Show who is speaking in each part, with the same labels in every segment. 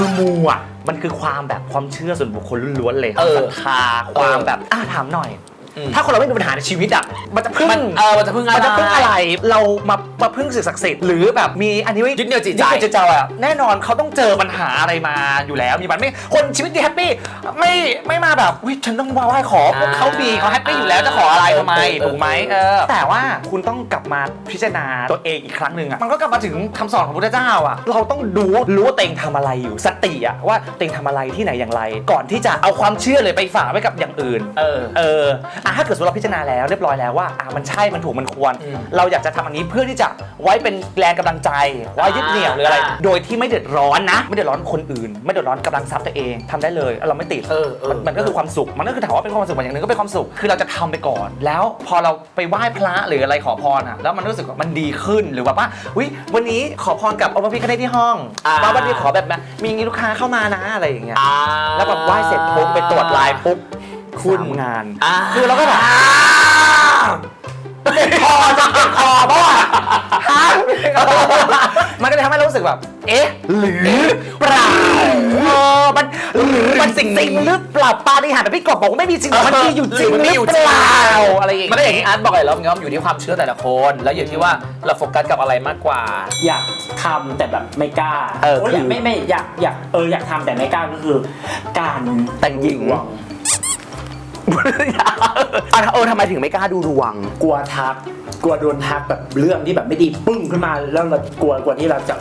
Speaker 1: คือมูอ่ะมันคือความแบบความเชื่อส่วนบุคคลล้วนๆเลยศรัทธาความแบบถามหน่อยถ้าคนเราไม่มีปัญหาในชีวิตอ่ะมันจะพึ่ง
Speaker 2: มันจะพึ่งอะไร
Speaker 1: เรามาพึ่งสิ่งศักดิ์สิทธิ์หรือแบบมีอันนี้
Speaker 2: ยึดเหนี่ยวจิตใจ
Speaker 1: อ่ะแน่นอนเขาต้องเจอปัญหาอะไรมาอยู่แล้วมีมันไม่คนชีวิตดีแฮปปี้ไม่มาแบบวิฉันต้องมาไหว้ขอพวกเขาดีเขาแฮปปี้อยู่แล้วจะขออะไรทำไมถูกไหมแต่ว่าคุณต้องกลับมาพิจารณาตัวเองอีกครั้งหนึ่งอ่ะมันก็กลับมาถึงคำสอนของพระพุทธเจ้าอ่ะเราต้องรู้ว่าตัวเองทำอะไรอยู่สติอ่ะว่าตัวเองทำอะไรที่ไหนอย่างไรก่อนที่จะเอาความเชื่อเลยไปฝากไว้กับอย่างอื่นถ้าเกิดเราพิจารณาแล้วเรียบร้อยแล้วว่ามันใช่มันถูกมันควรเราอยากจะทำอันนี้เพื่อที่จะไว้เป็นแรงกำลังใจไว้ยึดเหนี่ยวหรืออะไรโดยที่ไม่เดือดร้อนนะไม่เดือดร้อนคนอื่นไม่เดือดร้อนกำลังทรัพย์ตัวเองทำได้เลยเราไม่ติดมันก็คือความสุขมันก็คือถามว่าเป็นความสุขอย่างหนึ่งก็เป็นความสุขคือเราจะทำไปก่อนแล้วพอเราไปไหว้พระหรืออะไรขอพรอ่ะแล้วมันรู้สึกว่ามันดีขึ้นหรือว่าวันนี้ขอพรกับองค์พระพิฆเนศที่ห้องวันนี้ขอแบบมีลูกค้าเข้ามานะอะไรอย่างเงี้ยแล้วแบบไหว้เสร็จปุ๊บไปตรวจไลน์ปุ๊บคุณงานคือเราก็แบบเจ็บคอจะเจ็บคอเพราะว่ามันก็เลยทำให้เรารู้สึกแบบหรือเปล่ามันสิ่งหรือเปล่าปาฏิหาริย์แบบพี่กบบอกว่าไม่มีจริงมันมีอยู่จริงหรือเปล่าอะไรอย่างเงี้ย
Speaker 2: มันก็อย่างที่อาร์ตบอกเลยแล้วมันก็อยู่ที่ความเชื่อแต่ละคนแล้วอยู่ที่ว่าเราโฟกัสกับอะไรมากกว่า
Speaker 3: อยากทำแต่แบบไม่กล้าไม่อยากทำแต่ไม่กล้าก็คือการ
Speaker 1: แต่งหญิงทำไมถึงไม่กล้าดูดวง
Speaker 3: กลัวทักกลัวโดนทักแบบเรื่องที่แบบไม่ดีปึ้งขึ้นมาแล้วเรากลัวที่เราจะ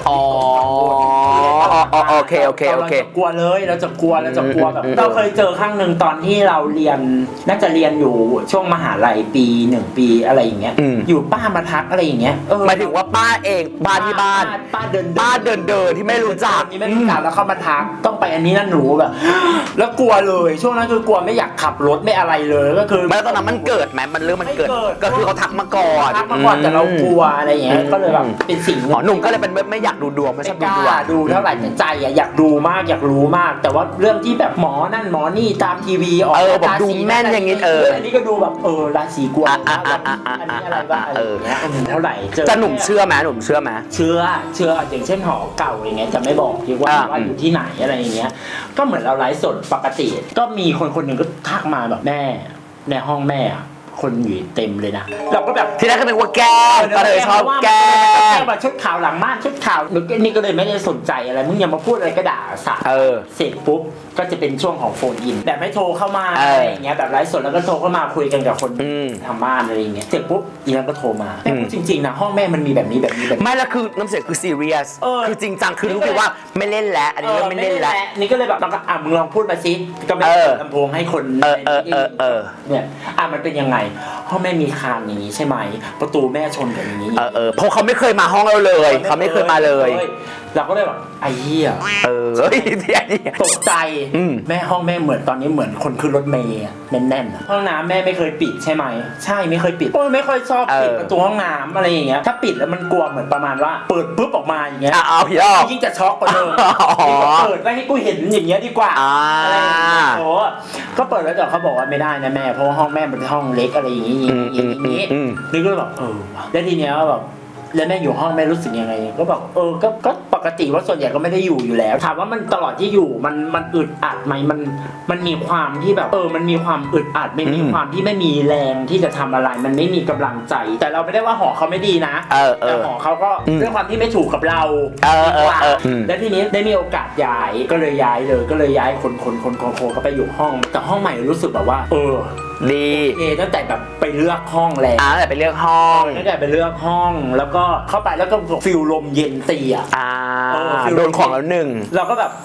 Speaker 1: โอเค
Speaker 3: กลัวเลยเราจะกลัวแบบเราเคยเจอครั้งหนึ่งตอนที่เราเรียนน่าจะเรียนอยู่ช่วงมหาลัยปี1ปีอะไรอย่างเงี้ยอยู่ป้ามาทักอะไรอย่างเงี้ย
Speaker 1: หมายถึงว่าป้าเองบ้านที่บ้าน
Speaker 3: ป้าเดิน
Speaker 1: ที่ไม่รู้จัก
Speaker 3: แล้วเขามาทักต้องไปอันนี้นั่นหนูแบบแล้วกลัวเลยช่วงนั้นคือกลัวไม่อยากขับรถไม่อะไรเลยก็คือ
Speaker 1: ตอนนั้นมันเกิดไหมมันเรื่องมันเกิดก็คือเขาทักมาก่อน
Speaker 3: แต่เรากลัวอะไรอย่างเงี้ยก็เลยแบบเป็นสิ่ง
Speaker 1: หนุ่มก็เลยเป็นไม่อยากดูดวงไม่ชอบดูดวง
Speaker 3: ดูเท่าไหร่ใจอยากดูมากอยากรู้มากแต่ว่าเรื่องที่แบบหมอนั่นหมอนี่ตามทีวีออก
Speaker 1: แบบดูแม่นอย่างงี้
Speaker 3: อันนี้ก็ดูแบบราศีกลัวอันนี้อะไรบ้างอะไรอย่างเงี้ยเท่าไหร่
Speaker 1: จะหนุ่มเชื่อไหมเชื่อ
Speaker 3: อย่างเช่นหอเก่าอย่างเงี้ยจะไม่บอกดีว่าอยู่ที่ไหนอะไรอย่างเงี้ยก็เหมือนเราไลฟ์สดปกติก็มีคนหนึ่งก็ทักมาแบบแม่ในห้องแม่คนอยู่เต็มเลยนะเราก็แบบ
Speaker 1: ที่แรกก็เป็นว่าแก้ก็เลยชอบแก้
Speaker 3: แบบชุดขาวหลังม่านชุดขาวนี่ก็เลยไม่ได้สนใจอะไรมึงอย่ามาพูดอะไรก็ด่าสาเสร็จปุ๊บก็จะเป็นช่วงของโฟนอินแบบไม่โทรเข้ามาอะไรอย่างเงี้ยแบบไลฟ์สดแล้วก็โทรเข้ามาคุยกันกับคนทางบ้านอะไรอย่างเงี้ยเสร็จปุ๊บอีนั่นก็โทรมาแม่พูดจริงๆนะห้องแม่มันมีแบบนี้
Speaker 1: ไม่แล้วคือน้ำเสียงคือซีเรียสคือจริงจังคือรู้ว่าไม่เล่นแล้วอันนี้ไม่เล่นแล้ว
Speaker 3: นี่ก็เลยแบบมึงลองพูดมาสิก็ไม่ลำโพงให้คนเนี่ยมันเป็นยังไงห้องแม่มีคานอย่างนี้ใช่ไหมประตูแม่ชนกับอย่างนี้
Speaker 1: เพราะเขาไม่เคยมาห้องเราเลยเขาไม่เคยมาเลย
Speaker 3: เราก็เลยแบบไอ้เหี้ยตกใจแม่ห้องแม่เหมือนตอนนี้เหมือนคนขึ้นรถเมล์แน่นๆห้องน้ำแม่ไม่เคยปิดใช่ไหมใช่ไม่เคยปิดไม่ค่อยชอบปิดประตูห้องน้ำอะไรอย่างเงี้ยถ้าปิดแล้วมันกลัวเหมือนประมาณว่าเปิดปุ๊บออกมาอย่างเงี้ย
Speaker 1: พี่อ้อ
Speaker 3: ยิ่งจะช็อกกว่าเดิมเปิดไว้ให้กูเห็นอย่างเงี้ยดีกว่าอะไรอย่างเงี้ยก็เปิดแล้วแต่เขาบอกว่าไม่ได้นะแม่เพราะห้องแม่เป็นห้องเล็กอะไรอย่างงี้นี่ก็แบบแล้วทีเนี้ยแบบแล้วแม่อยู่ห้องแม่รู้สึกยังไงก็บอกก็ปกติว่าส่วนใหญ่ก็ไม่ได้อยู่แล้วถามว่ามันตลอดที่อยู่มันอึดอัดไหมมันมีความที่แบบมันมีความอึดอัดไม่มีความที่ไม่มีแรงที่จะทำอะไรมันไม่มีกำลังใจแต่เราไม่ได้ว่าหอเขาไม่ดีนะแต่หอเขาก็ด้วยความที่ไม่ถูกกับเราแล้วทีนี้ได้มีโอกาสย้ายก็เลยย้ายเลยก็เลยย้ายคนเขาไปอยู่ห้องแต่ห้องใหม่รู้สึกแบบว่า
Speaker 1: ดี
Speaker 3: ตั้งแต่แบบไปเลือกห้องแล้ว
Speaker 1: ตั้งแต่ไปเลือกห้อง
Speaker 3: แล้วก็เข้าไปแล้วก็ฟิลลมเย็นตี
Speaker 1: โดนของแล้วหนึ่ง
Speaker 3: เราก็แบบ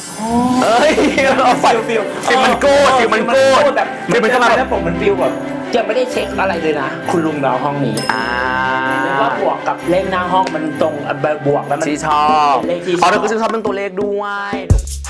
Speaker 1: ฟิลมันโก้แบบฟิลมันเข้ามา
Speaker 3: แล้วผมมันฟิลแบบยังไม่ได้เช็คอะไรเลยนะคุณลุงเราห้องนี้แล้วก็บวกกับเลขหน้าห้องมันตรงบวกแล้วมัน
Speaker 1: ที่ชอบเลขที่ชอบเราก็ชอบเป็นตัวเลขด้วย